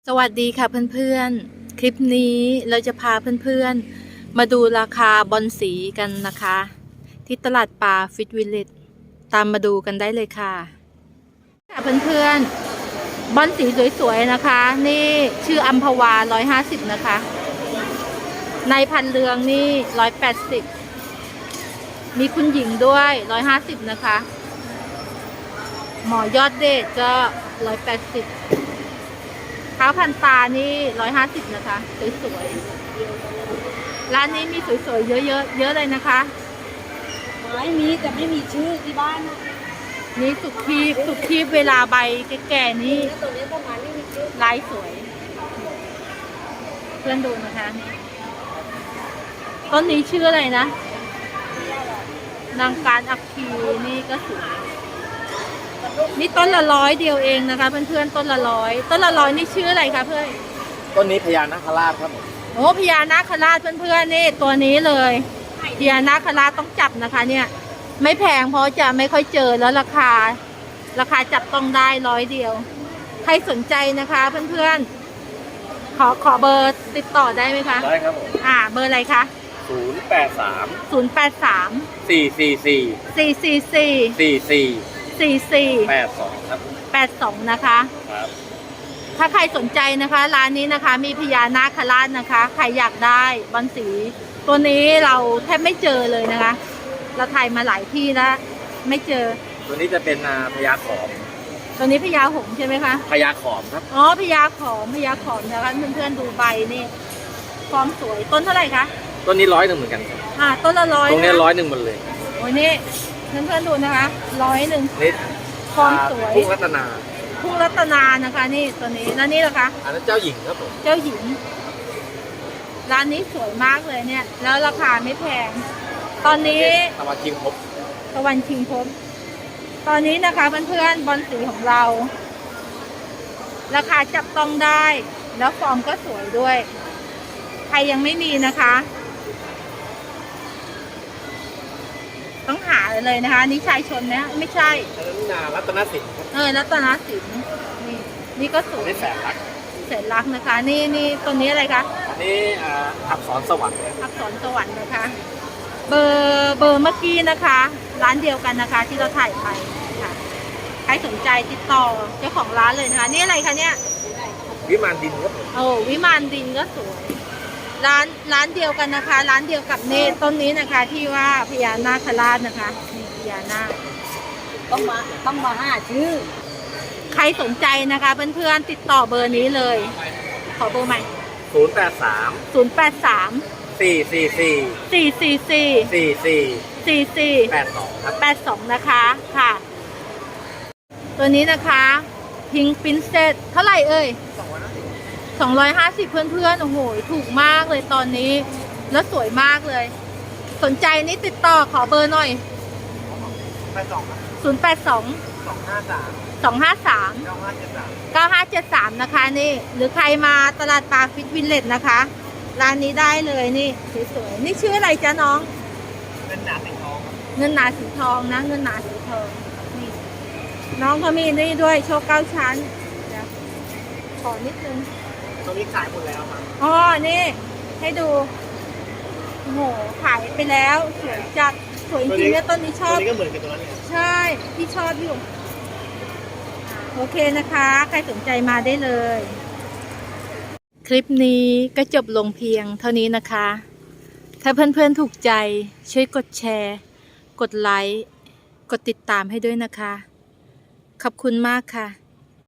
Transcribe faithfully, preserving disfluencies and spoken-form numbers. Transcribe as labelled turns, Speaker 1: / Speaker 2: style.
Speaker 1: สวัสดีค่ะเพื่อนๆ คลิปนี้เราจะพาเพื่อนๆมาดูราคาบอนสีกันนะคะ ที่ตลาดปลาฟิตวิลเลจตามมาดูกันได้เลยค่ะค่ะเพื่อนๆบอนสีสวยๆนะคะนี่ชื่ออัมพวาร้อยห้าสิบนะคะในพันเรืองนี่ร้อยแปดสิบมีคุณหญิงด้วยร้อยห้าสิบนะคะหมอยอดเดชก็ร้อยแปดสิบเท้าพันตานี่ร้อยห้าสิบนะคะสวยๆร้านนี้มีสวยๆเยอะๆเยอะเลยนะคะ
Speaker 2: ไม้มีแต่ไม่มีชื่อที่บ้านนะ
Speaker 1: นี่สุกทีบสุกทีบเวลาใบแก่ๆนี่
Speaker 2: ตัวนี้ประมาณไม่มีชื่อ
Speaker 1: ลายสวยเพื่อนดูนะคะนี่ต้นนี้ชื่ออะไรนะนางการอักคีนี่ก็สวยนี่ต้นละร้อยเดียวเองนะคะเพื่อนๆต้นละร้อยต้นละร้อยนี่ชื่ออะไรคะเพื่อน
Speaker 3: ต้นนี้พญานาคราชครับผม
Speaker 1: โอ้พญานาคราชเพื่อนๆนี่ตัวนี้เลยพญานาคราชต้องจับนะคะเนี่ยไม่แพงเพราะจะไม่ค่อยเจอแล้วราคาราคาจับต้องได้ร้อยเดียวใครสนใจนะคะเพื่อนๆขอขอเบอร์ติดต่อได้ไหมคะ
Speaker 3: ได้ครับผม
Speaker 1: อ่าเบอร์อะไรคะ
Speaker 3: ศูนย์แปดสาม
Speaker 1: ศูนย์แปดสาม
Speaker 3: สี่สี่สี่
Speaker 1: สี่สี่สี่
Speaker 3: สี่สี่
Speaker 1: สี่สี่
Speaker 3: แปดสองครับ
Speaker 1: แปดสองนะคะ
Speaker 3: ครับ
Speaker 1: ถ้าใครสนใจนะคะร้านนี้นะคะมีพญานาคราชนะคะใครอยากได้บอนสีตัวนี้เราแทบไม่เจอเลยนะคะเราถ่ายมาหลายที่แล้วไม่เจอ
Speaker 3: ตัวนี้จะเป็นพญาขอม
Speaker 1: ตัวนี้พญาหงส์ใช่ไหมคะ
Speaker 3: พญาขอมครับ
Speaker 1: อ๋อพญาขอมพญาขอมนะคะเพื่อนๆดูใบนี่ฟอร์มสวยต้นเท่าไหร่คะ
Speaker 3: ต้นนี้ร้อยหนึ่งเหมือนกัน
Speaker 1: อ่าต้นละร้อย
Speaker 3: ตรงนี้ร้อยหนึ่งหมดเลย
Speaker 1: โอ้ยนี่เพื่อนๆดูนะคะร้อยหนึ่ง
Speaker 3: นี่
Speaker 1: ฟอร์มสวย
Speaker 3: พุ่งรัตนา
Speaker 1: พุ่งรัตนานะคะนี่ตัวนี้แล้วนี่ล่ะคะ
Speaker 3: อันนั้นเจ้าหญิงครับผม
Speaker 1: เจ้าหญิงร้านนี้สวยมากเลยเนี่ยแล้วราคาไม่แพงตอนนี้
Speaker 3: ตะวันชิงพบ
Speaker 1: ตะวันชิงพบตอนนี้นะคะเพื่อนๆบอลสีของเราราคาจับต้องได้แล้วฟอร์มก็สวยด้วยใครยังไม่มีนะคะต้องหาเลยนะคะนี่ชายชนนะไม่ใช่
Speaker 3: นารัตนสิน
Speaker 1: เออรัตนสินนี่นี่ก็สวย
Speaker 3: นี่แสนรัก
Speaker 1: แสนรักนะคะนี่นี่ตัวนี้อะไรคะ
Speaker 3: นี่อักษรสวรรค์
Speaker 1: อักษรสวรรค์นะคะเบอร์เบอร์เมื่อกี้นะคะร้านเดียวกันนะคะที่เราถ่ายไปค่ะใครสนใจติดต่อเจ้าของร้านเลยนะคะนี่อะไรคะเนี่ย
Speaker 3: วิมานดินครับ
Speaker 1: โอ้วิมานดินก็สวยร้านร้านเดียวกันนะคะร้านเดียวกับนี่ต้นนี้นะคะที่ว่าพญานาคราชนะคะนี่พญานาค
Speaker 2: ต้องมาต้องมาห้าชื่อ
Speaker 1: ใครสนใจนะคะเพื่อนๆติดต่อเบอร์นี้เลยขอเบอร์ใหม่
Speaker 3: ศูนย์แปดสาม
Speaker 1: ศูนย์แปดสาม
Speaker 3: สี่สี่สี่
Speaker 1: สี่สี่สี่
Speaker 3: สี่สี่
Speaker 1: สี่สี่
Speaker 3: แปดสองครับ
Speaker 1: แปดสองนะคะค่ะตัวนี้นะคะพิงปินเซตเท่าไหร่เอ่ยสองร้อยห้าสิบเพื่อนๆโอ้โหถูกมากเลยตอนนี้แล้วสวยมากเลยสนใจนี่ติดต่อขอเบอร์หน่อย
Speaker 3: แปดสอง
Speaker 1: ศูนย์แปดสอง
Speaker 3: สองห้าสาม
Speaker 1: สองห้าสาม
Speaker 3: เก้าห้าเจ็ดสาม
Speaker 1: เก้าห้าเจ็ดสามนะคะนี่หรือใครมาตลาดปลาฟิตวิลเลจนะคะร้านนี้ได้เลยนี่สวยๆนี่ชื่ออะไรจ๊ะน้อง
Speaker 3: เงินหนาสีทอง
Speaker 1: เงินหนาสีทองนะเงินหนาสีทองนี่น้องเขามีนี่ด้วยโชว์เก้าชั้นขอนิดนึง
Speaker 3: ตอนนี้ขายหมดแล้วครับ
Speaker 1: อ๋อนี่ให้ดูโอ้โหขายไปแล้วสวยจัดสวยจริงๆเนี่ยต้นนี้ชอบ
Speaker 3: ตัวนี้ก็เหมือนกับตัวนั้น
Speaker 1: ใช่พี่ชอบอยู่โอเคนะคะใครสนใจมาได้เลยคลิปนี้ก็จบลงเพียงเท่านี้นะคะถ้าเพื่อนๆถูกใจช่วยกดแชร์กดไลค์กดติดตามให้ด้วยนะคะขอบคุณมากค่ะ